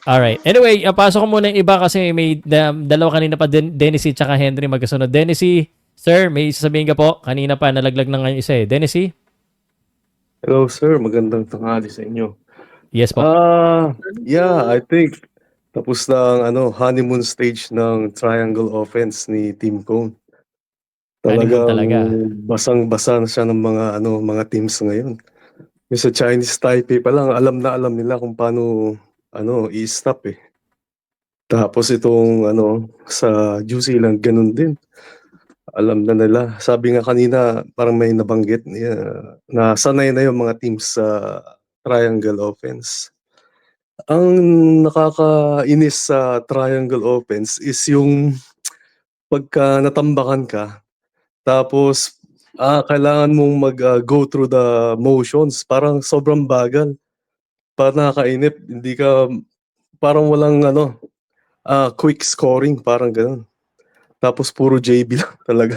Alright. Anyway, pasok ko muna yung iba kasi may dalawa kanina pa, Dennis tsaka Henry magkasunod. Dennis, sir, may sasabihin ka po. Kanina pa, nalaglag na nga yung isa eh. Dennis? Hello sir, magandang tanghali sa inyo. Yes po. Yeah, I think tapos na ang honeymoon stage ng triangle offense ni Team Cone. Honeymoon Talagang talaga. basang-basa na siya ng mga teams ngayon. Yung sa Chinese Taipei pa lang, alam na alam nila kung paano i-stop eh. Tapos itong sa New Zealand, ganun din. Alam na nila. Sabi nga kanina, parang may nabanggit na sanay na yung mga teams sa triangle offense. Ang nakakainis sa triangle offense is yung pagka natambakan ka, tapos kailangan mong go through the motions, parang sobrang bagal. Parang nakakainip, hindi ka, parang walang quick scoring, parang ganun. Tapos puro JB lang talaga.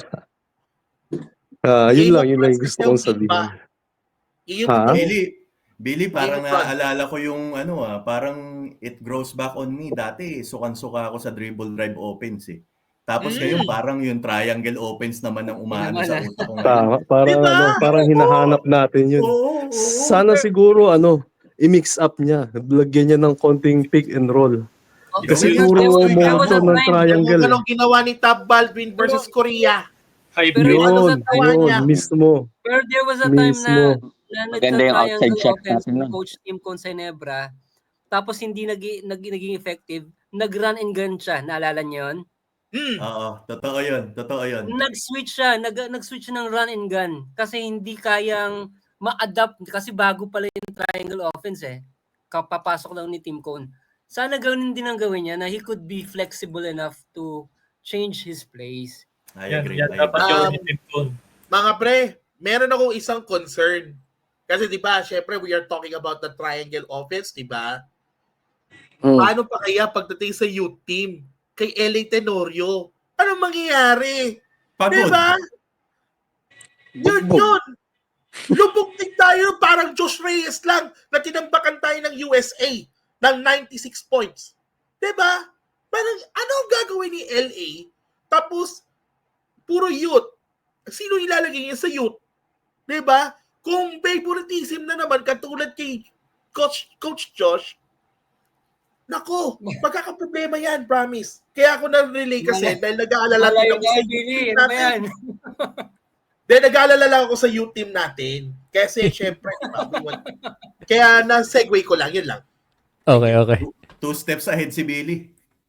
Yun lang yung gusto kong sabihin. Ha? Billy, parang naaalala ko yung parang it grows back on me. Dati, sukan-suka ako sa dribble drive offense eh. Tapos ngayon, parang yung triangle offense naman ang umaano sa utak ko ngayon. Tama, parang Diba? parang hinahanap natin yun. Oo. Sana siguro i-mix up niya. Lagyan niya ng konting pick and roll. Kasi Yun, puro yun, motion ng triangle. Yung anong ginawa ni Tab Baldwin versus Korea. Yun, mismo. Pero there was a time na Maganda yung outside nagka-triangle shot offense natin ni nun. Coach Tim Consenebra, tapos hindi naging effective, nag-run and gun siya. Naalala niyo yun? Oo, totoo yun. Nag-switch siya, nag-switch ng run and gun kasi hindi kayang ma-adapt kasi bago pala yung triangle offense eh. Kapapasok lang ni Tim Cone. Sana gawin din ang gawin niya na he could be flexible enough to change his plays. I agree. Dapat yung Team Cone. Mga pre, meron akong isang concern. Kasi di ba, syempre we are talking about the triangle offense, di ba? Paano pa kaya pagdating sa youth team kay LA Tenorio? Anong mangyayari? Pagod. Di ba? Yun. Lubog din tayo parang Josh Reyes lang na tinambakan tayo ng USA ng 96 points. Di ba? Parang ano ang gagawin ni LA? Tapos, puro youth. Sino ilalagay niya sa youth? Di ba? Kung favoritism na naman katulad kay Coach Josh, nako, magkakaproblema yan, promise. Kaya ako na-relay kasi dahil nag-aalala din ako sa youth team natin. Dahil nag-aalala lang ako sa youth team natin. Kasi syempre, kaya na-segue ko lang, yun lang. Okay. 2 steps ahead si Billy.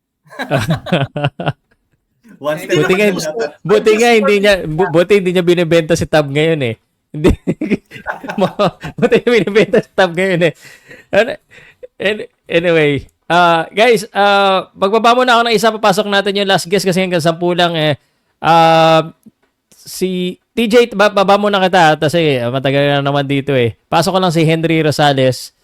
1 step Buti nga hindi niya binebenta si Tab ngayon eh. Hindi. Buti niya binebenta si Tab ngayon eh. Anyway, guys, magbaba muna ako ng isa, papasok natin yung last guest kasi hanggang 10 lang eh. Si TJ, baba muna kita kasi matagal na naman dito eh. Pasok ko lang si Henry Rosales.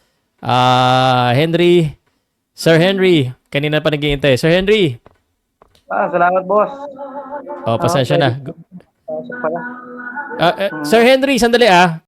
Sir Henry, kanina pa nag-iintay. Sir Henry. Salamat, boss. Pasensya na. Sir Henry, sandali